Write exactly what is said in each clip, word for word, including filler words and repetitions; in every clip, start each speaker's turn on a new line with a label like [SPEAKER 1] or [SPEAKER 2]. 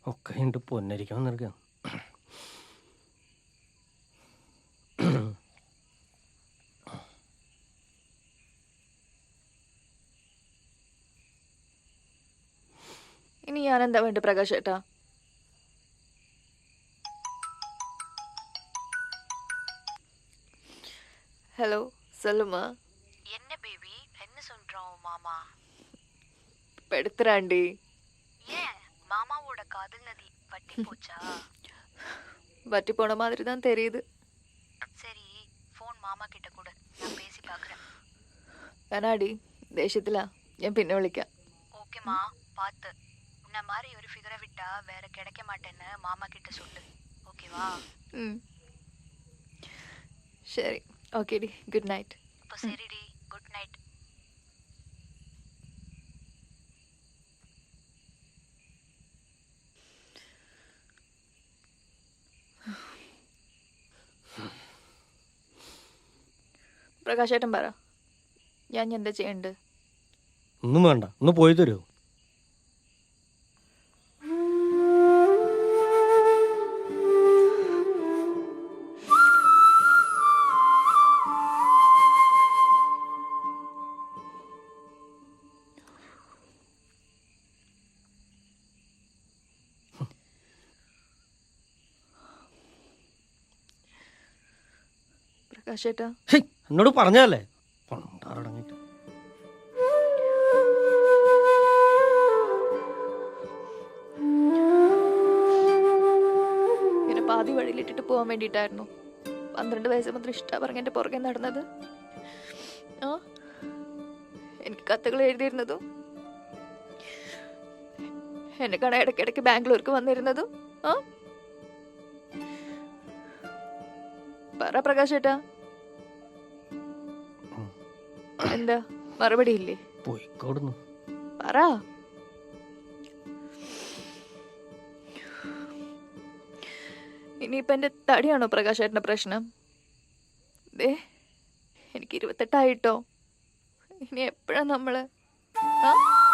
[SPEAKER 1] ഒക്കെ ഉണ്ട് പൊന്നരിക്കാൻ വന്നിരിക്കാം.
[SPEAKER 2] ഇനി ഞാൻ എന്താ വേണ്ട പ്രകാശ് ഏട്ടാ? ஹலோ சொல்லுமா.
[SPEAKER 3] என்ன பேபி, என்ன சொல்றான் மாமா?
[SPEAKER 2] பெடுத்துறாண்டி.
[SPEAKER 3] ஏன் மாமாவோட காதல் நதி வட்டி போச்சா?
[SPEAKER 2] வட்டி போன மாதிரி தான் தெரியுது.
[SPEAKER 3] சரி, ஃபோன் மாமா கிட்ட கூட நான் பேசி பார்க்குறேன்.
[SPEAKER 2] வேணாடி, ദേഷ്യത്തില. ഞാൻ പിന്നെ വിളിക്കാം.
[SPEAKER 3] ஓகேமா, பார்த்து. உன்ன மாதிரி ஒரு ஃபிகரை விட்டா வேற கிடைக்க மாட்டேன்னு மாமா கிட்ட சொல்லு. ஓகேவா?
[SPEAKER 2] ம் சரி. ஓகேடி, குட் நைட்.
[SPEAKER 3] அப்போ சரிடி, குட் நைட்.
[SPEAKER 2] പ്രകാശേട്ടൻ പറ, ഞാൻ എന്താ ചെയ്യണ്ട്?
[SPEAKER 1] ഒന്നും വേണ്ട, ഒന്ന് പോയി തരുമോ?
[SPEAKER 2] പ്രകാശേട്ടാ,
[SPEAKER 1] എന്നോട് പറഞ്ഞല്ലേ പണ്ടാറടങ്ങിട്ട്.
[SPEAKER 2] ഇങ്ങനെ പാതി വഴിയിലിട്ടിട്ട് പോകാൻ വേണ്ടിയിട്ടായിരുന്നു പന്ത്രണ്ട് വയസ്സ് മുതൽ ഇഷ്ട പറഞ്ഞ എൻ്റെ പുറകെ നടന്നത്. ആ എനിക്ക് കത്തുകൾ എഴുതിയിരുന്നതും എന്നെ കാണാൻ ഇടയ്ക്കിടയ്ക്ക് ബാംഗ്ലൂർക്ക് വന്നിരുന്നതും. ആ പറ പ്രകാശേട്ടാ, എന്താ മറുപടി ഇല്ലേ?
[SPEAKER 1] പോയിക്കോടുന്നു
[SPEAKER 2] പറ. ഇനിയിപ്പൊ എന്റെ തടിയാണോ പ്രകാശേട്ടന്റെ പ്രശ്നം? ദേ, എനിക്ക് ഇരുപത്തെട്ടായിട്ടോ. ഇനി എപ്പോഴാ നമ്മള് ആ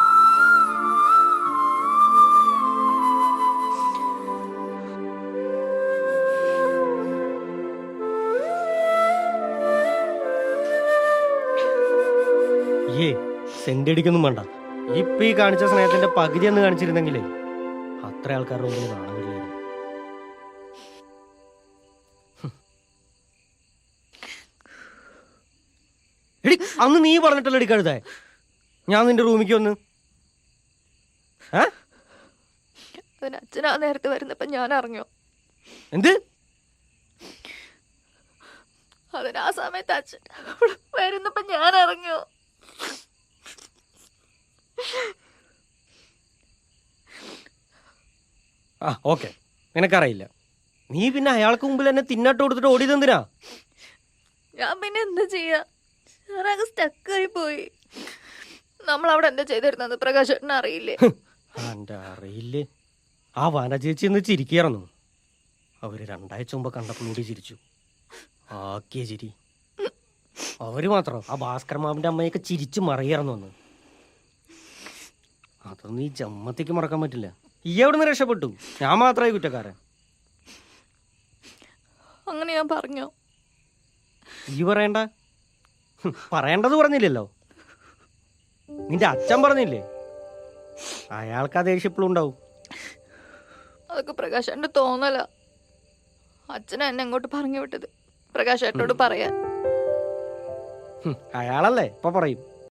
[SPEAKER 1] ഏ സെന്റ് അടിക്കൊന്നും വേണ്ട. ഇപ്പൊ ഈ കാണിച്ച സ്നേഹത്തിന്റെ പകുതി എന്ന് കാണിച്ചിരുന്നെങ്കിലേ അത്ര ആൾക്കാരുടെ മുമ്പിൽ കാണാൻ കഴിയായിരുന്നു. എടി, അന്ന് നീ പറഞ്ഞിട്ടല്ലോ എടി കഴുതേ ഞാൻ നിന്റെ റൂമിക്ക് വന്ന്.
[SPEAKER 2] അതിന് അച്ഛനാ നേരത്തെ വരുന്നപ്പോ ഞാൻ അറിഞ്ഞു.
[SPEAKER 1] എന്ത്?
[SPEAKER 2] അതിന് ആ സമയത്ത് അച്ഛൻ വരുന്നപ്പോ ഞാൻ അറിഞ്ഞു.
[SPEAKER 1] ആ ഓക്കെ, നിനക്കറിയില്ല. നീ പിന്നെ അയാൾക്ക് മുമ്പിൽ എന്നെ തിന്നാട്ട് കൊടുത്തിട്ട് ഓടിയതെന്തിനാ?
[SPEAKER 2] ഞാൻ പിന്നെ എന്താ ചെയ്യാ, ഞാനങ്ങ് സ്റ്റക്കായി പോയി. നമ്മൾ അവിടെ എന്താ ചെയ്തിരുന്നത് പ്രകാശേട്ടന് അറിയില്ലേ?
[SPEAKER 1] എന്റെ അറിയില്ലേ. ആ വന ചേച്ചി എന്ന് ചിരിക്കായിരുന്നു. അവര് രണ്ടാഴ്ച മുമ്പ് കണ്ടപ്പോൾ കൂടി ചിരിച്ചു. ആക്കിയ ചിരി. അവര് മാത്രം ആ ഭാസ്കർ മാമിന്റെ അമ്മയൊക്കെ ചിരിച്ചു മറിയായിരുന്നു അന്ന്. അതൊന്നും ഈ ജമ്മത്തേക്ക് മറക്കാൻ പറ്റില്ല. ഈ എവിടുന്ന് രക്ഷപ്പെട്ടു? ഞാൻ മാത്രമായി കുറ്റക്കാരൻ.
[SPEAKER 2] അങ്ങനെ ഞാൻ പറഞ്ഞോ?
[SPEAKER 1] ഈ പറയണ്ട. പറയേണ്ടത് പറഞ്ഞില്ലല്ലോ. നിന്റെ അച്ഛൻ പറഞ്ഞില്ലേ? അയാൾക്ക് ആ ദേഷ്യം എപ്പോഴും ഉണ്ടാവും.
[SPEAKER 2] അതൊക്കെ പ്രകാശേട്ടന്റെ തോന്നല. അച്ഛനെ എന്നെ അങ്ങോട്ട് പറഞ്ഞു വിട്ടത് പ്രകാശേട്ടനോട് പറയാൻ.
[SPEAKER 1] അയാളല്ലേ ഇപ്പൊ പറയും.